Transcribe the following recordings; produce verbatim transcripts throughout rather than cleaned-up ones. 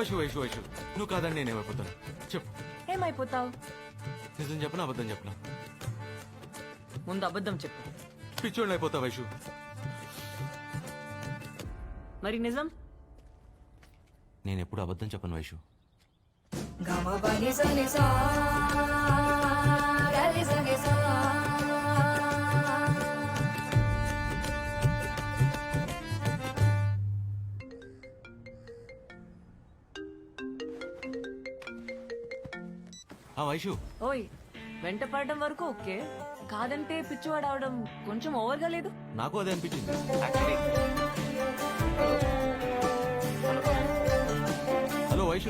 వైషు వైషు వైషు నువ్వు కాదని నేనేమైపోతాను చెప్పు. ఏమైపోతావు? నిజం చెప్పనా అబద్ధం చెప్పనా? ముందు అబద్ధం చెప్పు. పిచ్చోళ్ళు అయిపోతా వైషు. మరి నిజం? నేను ఎప్పుడు అబద్ధం చెప్పను వైషు. ఆ వైషు ఓయ్, వెంట పడడం వరకు ఓకే, కాదంటే పిచ్చివాడు అవడం కొంచెం ఓవర్గా లేదు? నాకు అదే అనిపించింది. Hello Vaishu.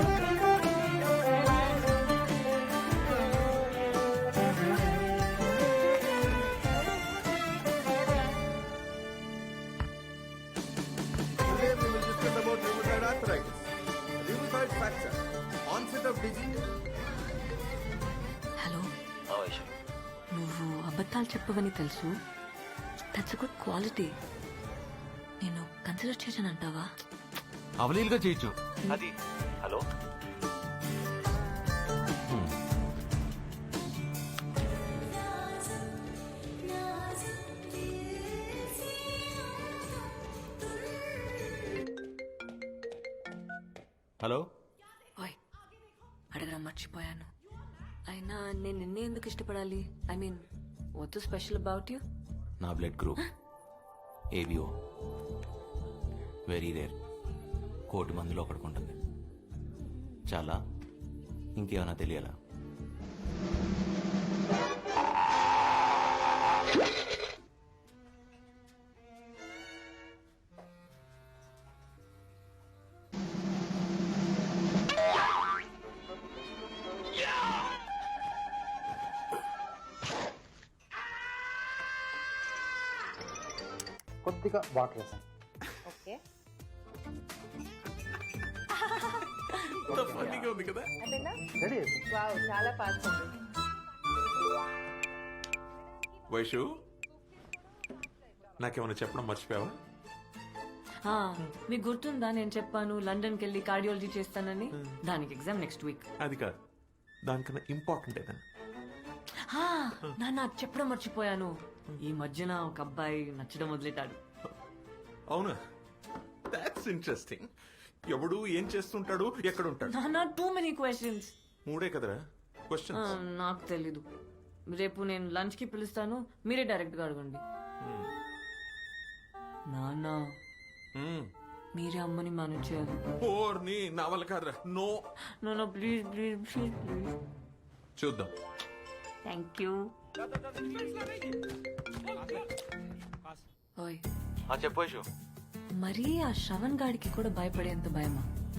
Today we will discuss about rheumatoid arthritis. Rheumatoid fracture. Onset of disease. Hello, నువ్వు అబద్ధాలు చెప్పవని తెలుసు. That's good quality. నేను కన్సిడర్ చేశాను అంటావా? అవలీలుగా చేయొచ్చు అది. Hello hello. ఓయ్, అడగడం మర్చిపోయాను. అయినా నేను నిన్నే ఎందుకు ఇష్టపడాలి? I mean, what special about you? నా blood group ABO very rare. కోటి మందిలో ఒకటికి ఉంటుంది. చాలా. ఇంకేమైనా తెలియాలా? కొద్దిగా వాటర్ వేసాను. ఓకే, ఉంది కదా. అదేనా? రెడీ వేసాను. వావ్, చాలా ఫాస్ట్ ఉంది. వైషు, నాకేమైనా చెప్పడం మర్చిపోయావా? ఆ, మీకు గుర్తుందా నేను చెప్పాను లండన్కి వెళ్ళి కార్డియాలజీ చేస్తానని? దానికి ఎగ్జామ్ నెక్స్ట్ వీక్. అది కాదు, దానికన్నా ఇంపార్టెంట్ ఏదన్నా. నాన్న చెప్పడం మర్చిపోయాను. ఈ మధ్యన ఒక అబ్బాయి నచ్చడం వదిలేటాడు. అవునా? That's interesting. ఎవడు ఏం చేస్తుంటాడు, ఎక్కడ ఉంటాడు? నాన్న, టూ మెనీ క్వశ్చన్స్. మూడే కదరా క్వశ్చన్. నాకు తెలీదు. రేపు నేను లంచ్ కి పిలుస్తాను, మీరే డైరెక్ట్ గా అడగండి. నాన్న, మీరే అమ్మని మేనేజ్ చేయాలి. ఓర్ని నా వల్ల కాదురా. నో నాన్న, ప్లీజ్ ప్లీజ్ ప్లీజ్ ప్లీజ్. చూద్దాం. Thank you. ఓయ్, చెప్పు వైషు. మరీ ఆ శ్రవణ్ గాడికి కూడా భయపడేంత భయమా?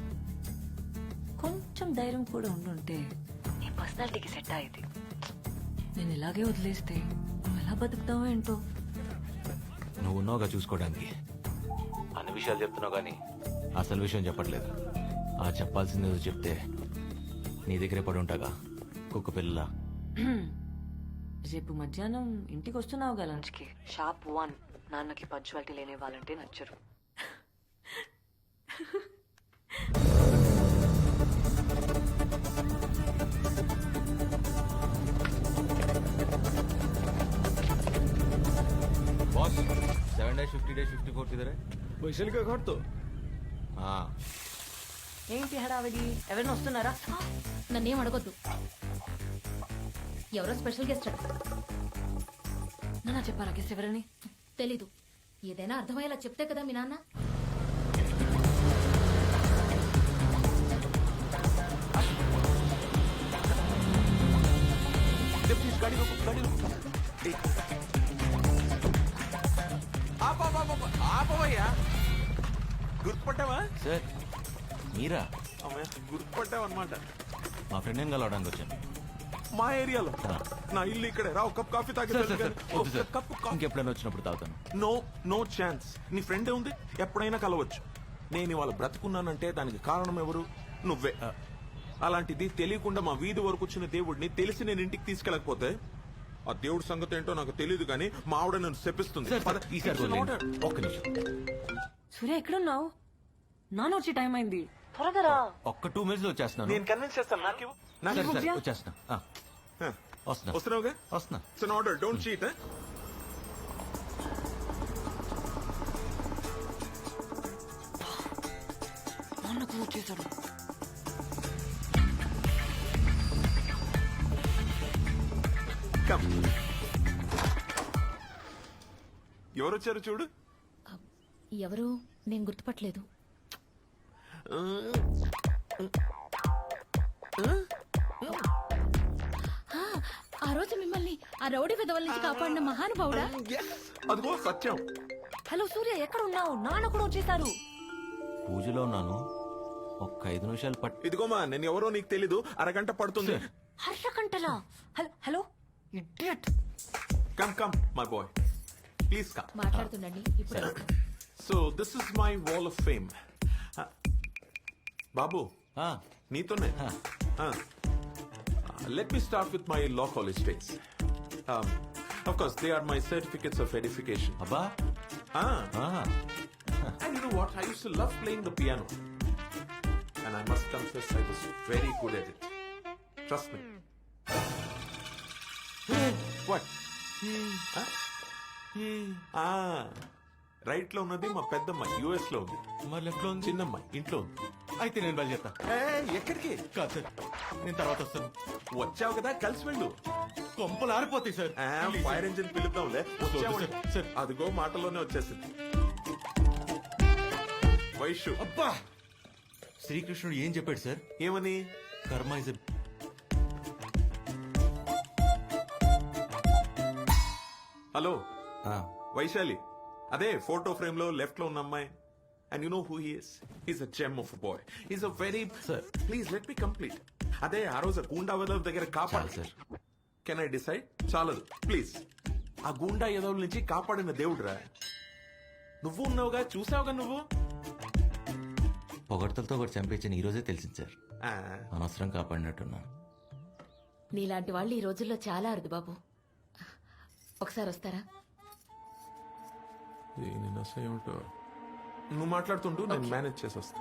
కొంచెం ధైర్యం కూడా ఉండుంటే నీ పర్సనాలిటీకి సెట్ అయ్యేది. నేను ఇలాగే వదిలేస్తే నువ్వు ఎలా బతుకుతావో ఏంటో. నువ్వు ఉన్నావుగా చూసుకోవడానికి. అన్ని విషయాలు చెప్తున్నావు కానీ అసలు విషయం చెప్పట్లేదు. ఆ చెప్పాల్సింది ఏదో చెప్తే నీ దగ్గరే పడి ఉంటాగా కుక్క పిల్ల. రేపు మధ్యాహ్నం ఇంటికి వస్తున్నావుగా లంచ్కి? Shop one. నాన్నకి పంచువాలిటీ లేని వాళ్ళంటే నచ్చరు. Boss seven dash fifty dash fifty four किधर है? वैशाली का घर तो हाँ. ఏంటి హడావిడి? ఎవరైనా వస్తున్నారా? నన్నేం అడగొద్దు. ఎవరో స్పెషల్ గెస్ట్ అడు. నాన్న చెప్పారా గెస్ట్ ఎవరని? తెలీదు. ఏదైనా అర్థమయ్యేలా చెప్తే కదా మీ నాన్న. गाड़ी रोको, गाड़ी रोको. ఆపవయ్యా. గుర్తుపట్టావా? సార్ మీరా? అమ్మయ్య, గుర్తుపట్టావు అనమాట. మా ఫ్రెండ్ ఏం కలవడానికి వచ్చాను. మా ఏరియాలో. నా ఇల్లు ఇక్కడే. రా, కప్ కాఫీ తాగి. కప్పు ఇంకెప్పుడైనా వచ్చినప్పుడు తాగుతాను. No no chance. నీ ఫ్రెండే ఉంది, ఎప్పుడైనా కలవచ్చు. నేను ఇవాళ బ్రతుకున్నానంటే దానికి కారణం ఎవరు? నువ్వే. అలాంటిది తెలియకుండా మా వీధి వరకు వచ్చిన దేవుడిని తెలిసి నేను ఇంటికి తీసుకెళ్ళకపోతే ఆ దేవుడి సంగతి ఏంటో నాకు తెలియదు కానీ మా ఆవిడ నన్ను శపిస్తుంది. ఈసారి ఒక్క నిమిషం. సూర్య, ఎక్కడున్నావు? నాన్న వచ్చే టైం అయింది. త్వరగా రా. ఒక్క టూ మినిట్స్ వచ్చేస్తున్నాను నేను కన్విన్స్ చేస్తాను నాకు నాకు సరే సరే వచ్చేస్తున్నా ఆ, వస్తున్నా వస్తున్నావుగా వస్తున్నా it's an order don't cheat నాన్నకు వచ్చేసాడు. కమ్ ఎవరు వచ్చారు చూడు ఎవరు నేను గుర్తుపట్టలేదు. ఆ, ఆ రోజు మిమ్మల్ని ఆ రౌడీ విధవల నుంచి కాపాడిన మహానుభావుడా? Yes, అదిగో సత్యం హలో సూర్య, ఎక్కడ ఉన్నావు? నాన్న కూడా వచ్చేసారు. పూజలో ఉన్నాను ఒక్క ఐదు నిమిషాలు పట్ ఇదిగోమా నేను ఎవరో నీకు తెలీదు అరగంట పడుతుంది హర్ష కంటలా. Hello hello idiot. Come come my boy please come మాట్లాడుతుండండి ఇప్పుడు. So this is my wall of fame బాబు ఆ, నీతోనే let me start with my law college days of course they are my certificates of edification అబ్బా ఆ, And you know what? I used to love playing the piano. And I must confess, I was very good at it. Trust me. What? Huh? Ah. Right లో ఉన్నది మా పెద్దమ్మాయి US లో ఉంది మరి left లో ఉంది చిన్నమ్మాయి ఇంట్లో ఉంది అయితే నేను బయలుదేరుతా ఏయ్, ఎక్కడికి కాదు సార్ నేను తర్వాత వస్తాను వచ్చావు కదా కలిసి వెళ్ళు కొంపలు ఆరిపోతాయి సార్ ఫైర్ ఇంజిన్ పిలుద్దాంలే వచ్చావు సార్, సార్. అదిగో మాటలోనే వచ్చేసింది వైషు అబ్బా శ్రీకృష్ణుడు ఏం చెప్పాడు సార్ ఏమని కర్మ ఇస్ హలో వైశాలి అదే ఫోటో ఫ్రేమ్ లో లెఫ్ట్ లో ఉన్న అమ్మాయి and you know who he's is a gem of boy is a very Sir. Please let me complete అదే ఆ రోజు గూండా వదల దగ్గర కాపాడు సార్ కెన్ ఐ డిసైడ్ చాలదు ప్లీజ్ ఆ గూండా ఎదవుల నుంచి కాపాడిన దేవుడురా నువ్వు ఉన్నావుగా చూసావుగా నువ్వు పొగడ్తలతో ఒకటి చంపేచ్చని ఈ రోజే తెలిసింది సార్ ఆ, అనవసరం కాపాడినట్టున్నాను నీలాంటి వాళ్ళు ఈ రోజుల్లో చాలా అరుదు బాబు. ఒకసారి వస్తారా? దీని నస ఏమిటో నువ్వు మాట్లాడుతుంటూ నేను మేనేజ్ చేసి వస్తా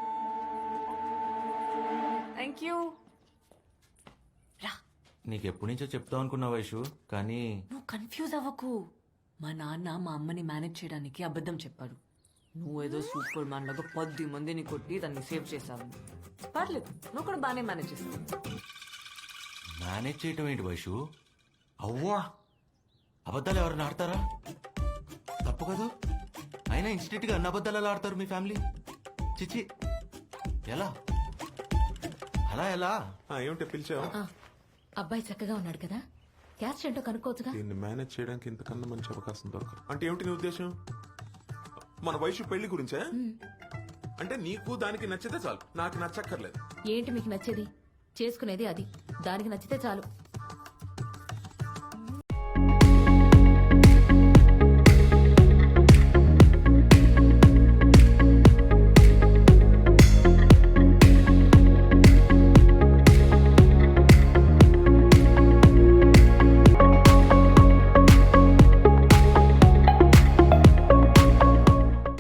థ్యాంక్ యూ. రా, నీకు ఎప్పటి నుంచో చెప్తావు అనుకున్నా వైషు కానీ నువ్వు కన్ఫ్యూజ్ అవ్వకు. మా నాన్న మా అమ్మని మేనేజ్ చేయడానికి అబద్ధం చెప్పాడు. నువ్వేదో సూపర్ మ్యాన్ లాగా పది మందిని కొట్టి దాన్ని సేవ్ చేశావు. పర్లేదు, నువ్వు కూడా బాగానే మేనేజ్ చేస్తావు. మేనేజ్ చేయటం ఏంటి వైషు అవ్వా అబద్ధాలు ఎవరైనా ఆడతారా తప్పు కదా అయినా ఇన్స్టిట్యూట్ గా అన్ని అబద్ధాలు ఎలా ఆడతారు మీ ఫ్యామిలీ చిచి ఎలా అలా ఎలా ఆ, ఏమిటి పిలిచావు ఆ, అబ్బాయి చక్కగా ఉన్నాడు కదా, క్యాస్ట్ ఏంటో కనుక్కోవచ్చుగా. దీన్ని మేనేజ్ చేయడానికి ఇంతకన్నా మంచి అవకాశం దొరకదు అంటే ఏమిటి నీ ఉద్దేశం మన వయసు పెళ్లి గురించే అంటే నీకు దానికి నచ్చితే చాలు నాకు నచ్చక్కర్లేదు ఏంటి మీకు నచ్చేది? చేసుకునేది అది, దానికి నచ్చితే చాలు.